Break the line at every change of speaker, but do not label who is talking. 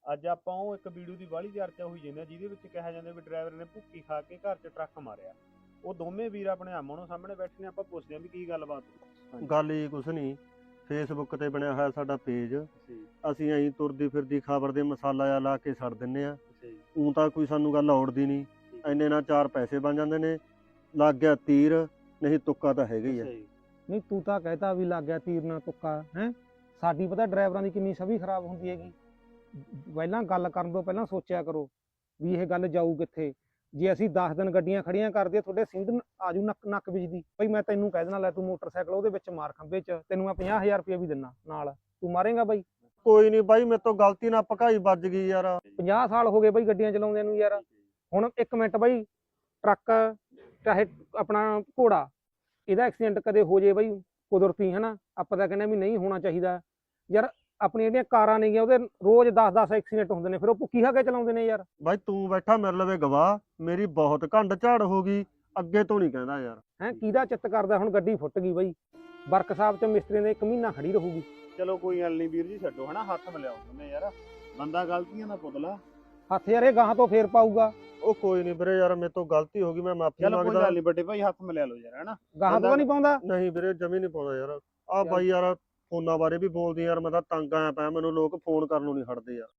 ਅੱਜ ਆਪਾਂ ਉਹ ਇੱਕ ਵੀਡੀਓ ਦੀ ਬਾਹਲੀ ਚਰਚਾ ਹੋਈ ਜਾਂਦੀ ਆ ਜਿਹਦੇ ਵਿੱਚ ਕਿਹਾ ਜਾਂਦਾ ਵੀ ਡਰਾਈਵਰ ਨੇ ਭੁੱਕੀ ਖਾ ਕੇ ਘਰ 'ਚ ਟਰੱਕ ਮਾਰਿਆ। ਉਹ ਦੋਵੇਂ ਵੀਰ ਆਪਣੇ ਆਮੋ ਸਾਹਮਣੇ ਬੈਠੇ ਨੇ, ਆਪਾਂ ਪੁੱਛਦੇ ਆ ਵੀ ਕੀ ਗੱਲਬਾਤ ਹੋਈ।
ਗੱਲ ਹੀ ਕੁਛ ਨਹੀਂ, ਫੇਸਬੁੱਕ ਤੇ ਬਣਿਆ ਹੋਇਆ ਸਾਡਾ ਪੇਜ, ਅਸੀਂ ਐਂ ਤੁਰਦੀ ਫਿਰਦੀ ਖਬਰ ਦੇ ਮਸਾਲਾ ਜਿਹਾ ਲਾ ਕੇ ਛੱਡ ਦਿੰਨੇ ਆ। ਊਂ ਤਾਂ ਕੋਈ ਸਾਨੂੰ ਗੱਲ ਔੜਦੀ ਨਹੀਂ, ਇੰਨੇ ਨਾਲ 4 ਪੈਸੇ ਬਣ ਜਾਂਦੇ ਨੇ। ਲੱਗ ਗਿਆ ਤੀਰ, ਨਹੀਂ ਤੁੱਕਾ ਤਾਂ ਹੈਗਾ ਹੀ ਆ।
ਨਹੀਂ ਤੂੰ ਤਾਂ ਕਹਿਤਾ ਵੀ ਲੱਗ ਗਿਆ ਤੀਰ ਨਾਲ ਤੁੱਕਾ ਹੈ। ਸਾਡੀ ਪਤਾ ਡਰਾਈਵਰਾਂ ਦੀ ਕਿੰਨੀ ਛਵੀ ਖਰਾਬ ਹੁੰਦੀ ਹੈਗੀ। ਪਹਿਲਾਂ ਗੱਲ ਕਰਨ ਤੋਂ ਪਹਿਲਾਂ ਸੋਚਿਆ ਕਰੋ ਵੀ ਇਹ ਗੱਲ ਜਾਊ ਕਿੱਥੇ। ਜੇ ਅਸੀਂ 10 ਦਿਨ ਗੱਡੀਆਂ ਖੜੀਆਂ ਕਰਦੇ ਤੁਹਾਡੇ ਸਿੰਧ ਆਜੂ ਨੱਕ ਵਿਚਦੀ ਬਈ ਮੈਂ ਤੈਨੂੰ ਕਹਿ ਦੇਣਾ ਲੈ ਤੂੰ ਮੋਟਰਸਾਈਕਲ ਉਹਦੇ ਵਿੱਚ ਮਾਰ ਖੰਭੇ 'ਚ, ਤੈਨੂੰ ਮੈਂ 50,000 ਰੁਪਏ ਵੀ ਦਿੰਨਾ ਨਾਲ, ਤੂੰ ਮਾਰੇਗਾ ਬਾਈ?
ਕੋਈ ਨਹੀਂ ਬਾਈ, ਮੇਰੇ ਤੋਂ ਗਲਤੀ ਨਾਲ ਭਕਾਈ ਵੱਜ ਗਈ ਯਾਰ।
50 ਸਾਲ ਹੋ ਗਏ ਬਾਈ ਗੱਡੀਆਂ ਚਲਾਉਂਦੇ ਨੂੰ ਯਾਰ। ਹੁਣ 1 ਮਿੰਟ ਬਾਈ, ਟਰੱਕ ਚਾਹੇ ਆਪਣਾ ਘੋੜਾ, ਇਹਦਾ ਐਕਸੀਡੈਂਟ ਕਦੇ ਹੋ ਜੇ ਬਾਈ ਕੁਦਰਤੀ ਹਨਾ, ਆਪਾਂ ਤਾਂ ਕਹਿੰਦੇ ਵੀ ਨਹੀਂ ਹੋਣਾ ਚਾਹੀਦਾ ਯਾਰ। ਆਪਣੀਆਂ ਜਿਹੜੀਆਂ ਕਾਰਾਂ ਨੇਗੀਆਂ ਉਹਦੇ ਰੋਜ਼ 10-10 ਐਕਸੀਡੈਂਟ ਹੁੰਦੇ ਨੇ, ਫਿਰ ਉਹ ਭੁੱਕੀ ਖਾ ਕੇ ਚਲਾਉਂਦੇ ਨੇ ਯਾਰ।
ਬਾਈ ਤੂੰ ਬੈਠਾ ਮੇਰੇ ਲਵੇ ਗਵਾਹ, ਮੇਰੀ ਬਹੁਤ ਘੰਡ ਝਾੜ ਹੋ ਗਈ, ਅੱਗੇ ਤੋਂ ਨਹੀਂ ਕਹਿੰਦਾ ਯਾਰ।
ਹੈਂ ਕਿਹਦਾ ਚਿੱਤ ਕਰਦਾ ਹੁਣ ਗੱਡੀ ਫੁੱਟ ਗਈ ਬਾਈ, ਵਰਕਸ਼ਾਪ 'ਚ ਮਿਸਤਰੀਆਂ ਦੇ 1 ਮਹੀਨਾ ਖੜੀ ਰਹੂਗੀ।
ਚਲੋ ਕੋਈ ਗੱਲ ਨਹੀਂ ਵੀਰ ਜੀ, ਛੱਡੋ ਹਨਾ, ਹੱਥ ਮਿਲਾਓ ਉਹਨੇ ਯਾਰ, ਬੰਦਾ ਗਲਤੀਆਂ ਦਾ ਪੁਤਲਾ।
ਹੱਥ ਯਾਰ ਇਹ ਗਾਹਾਂ ਤੋਂ ਫੇਰ ਪਾਊਗਾ।
ਉਹ ਕੋਈ ਨਹੀਂ ਵੀਰੇ ਯਾਰ, ਮੇਰੇ ਤੋਂ ਗਲਤੀ ਹੋ ਗਈ, ਮੈਂ ਮਾਫੀ
ਚਲੋ ਕੋਈ
ਮੰਗਦਾ।
ਗੱਲ ਨਹੀਂ ਵੱਡੇ ਭਾਈ, ਹੱਥ ਮਿਲਾ ਲਓ ਯਾਰ ਹਨਾ।
ਗਾਹਾਂ ਤੋਂ ਨਹੀਂ ਪਾਉਂਦਾ।
ਨਹੀਂ ਵੀਰੇ ਜਮੀ ਨਹੀਂ ਪਾਉਂਦਾ ਯਾਰ। ਆ ਬਾਈ ਯਾਰ ਫੋਨਾਂ ਬਾਰੇ ਵੀ ਬੋਲਦੀ ਯਾਰ, ਮੈਂ ਤਾਂ ਤੰਗ ਆਇਆ ਪਿਆ, ਮੈਨੂੰ ਲੋਕ ਫੋਨ ਕਰਨ ਨੂੰ ਨਹੀਂ ਹਟਦੇ ਯਾਰ।